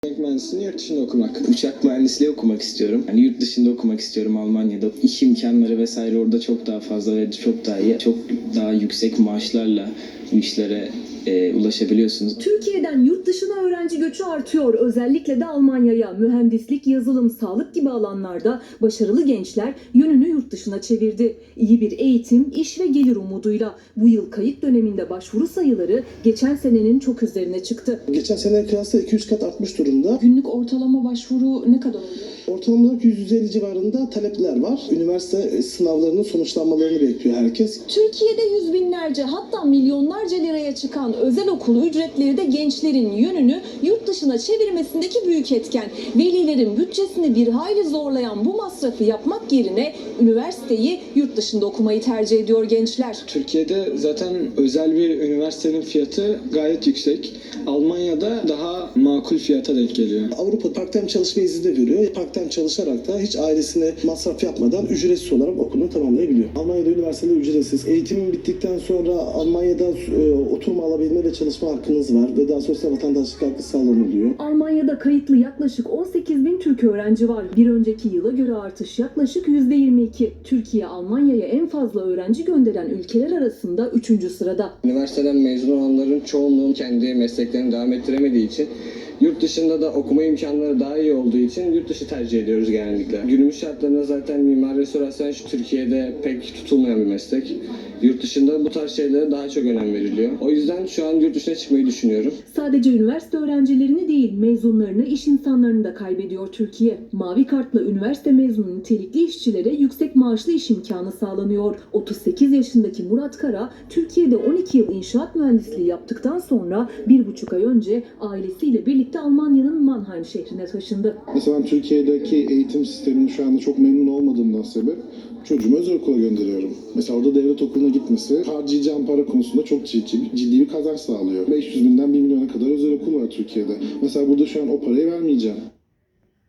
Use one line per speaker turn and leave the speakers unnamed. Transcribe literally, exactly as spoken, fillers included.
Elektronik mühendisliğini yurt dışında okumak.
Uçak mühendisliği okumak istiyorum. Yani yurt dışında okumak istiyorum, Almanya'da. İş imkanları vesaire orada çok daha fazla ve çok daha iyi. Çok daha yüksek maaşlarla bu işlere e, ulaşabiliyorsunuz.
Türkiye'den yurt dışına öğrenci göçü artıyor. Özellikle de Almanya'ya. Mühendislik, yazılım, sağlık gibi alanlarda başarılı gençler yönünü yurt dışına çevirdi. İyi bir eğitim, iş ve gelir umuduyla. Bu yıl kayıt döneminde başvuru sayıları geçen senenin çok üzerine çıktı.
Geçen sene kıyasla iki yüz kat artmış durumda.
Günlük ortalama başvuru ne kadar oluyor?
Ortalama olarak yüz yüz elli civarında talepler var. Üniversite sınavlarının sonuçlanmalarını bekliyor herkes.
Türkiye'de yüz binlerce hatta milyonlarca liraya çıkan özel okul ücretleri de gençlerin yönünü yurt dışına çevirmesindeki büyük etken. Velilerin bütçesini bir hayli zorlayan bu masrafı yapmak yerine üniversiteyi yurt dışında okumayı tercih ediyor gençler.
Türkiye'de zaten özel bir üniversitenin fiyatı gayet yüksek. Almanya'da daha makul fiyata denk geliyor.
Avrupa part-time çalışma izni de veriyor. Part-time çalışarak da hiç ailesine masraf yapmadan ücretsiz olarak okulunu tamamlayabiliyor. Almanya'da üniversiteler ücretsiz. Eğitim bittikten sonra Almanya'da e, oturma alabilme ve çalışma hakkınız var ve daha sonrasında vatandaşlık hakkı sağlanılıyor.
Almanya'da kayıtlı yaklaşık on sekiz bin Türk öğrenci var. Bir önceki yıla göre artış yaklaşık yüzde yirmi iki. Türkiye, Almanya'ya en fazla öğrenci gönderen ülkeler arasında üçüncü sırada.
Üniversiteden mezun olanların çoğunluğu kendi mesleklerini devam ettiremediği için yurt dışında da okuma imkanları daha iyi olduğu için yurt dışı tercih ediyoruz genellikle. Günümüz şartlarında zaten mimar restorasyon şu Türkiye'de pek tutulmayan bir meslek. Yurt dışında bu tarz şeylere daha çok önem veriliyor. O yüzden şu an yurt dışına çıkmayı düşünüyorum.
Sadece üniversite öğrencilerini değil, mezunlarını, iş insanlarını da kaybediyor Türkiye. Mavi kartla üniversite mezunu nitelikli işçilere yüksek maaşlı iş imkanı sağlanıyor. otuz sekiz yaşındaki Murat Kara, Türkiye'de on iki yıl inşaat mühendisliği yaptıktan sonra bir buçuk ay önce ailesiyle birlikte Almanya'nın Mannheim şehrine taşındı.
Mesela ben Türkiye'deki eğitim sistemini şu anda çok memnun olmadığımdan sebep çocuğumu özel okula gönderiyorum. Mesela orada devlet okuluna gitmesi harcayacağım para konusunda çok ciddi, ciddi bir kazanç sağlıyor. beş yüz binden bir milyona kadar özel okul var Türkiye'de. Mesela burada şu an o parayı vermeyeceğim.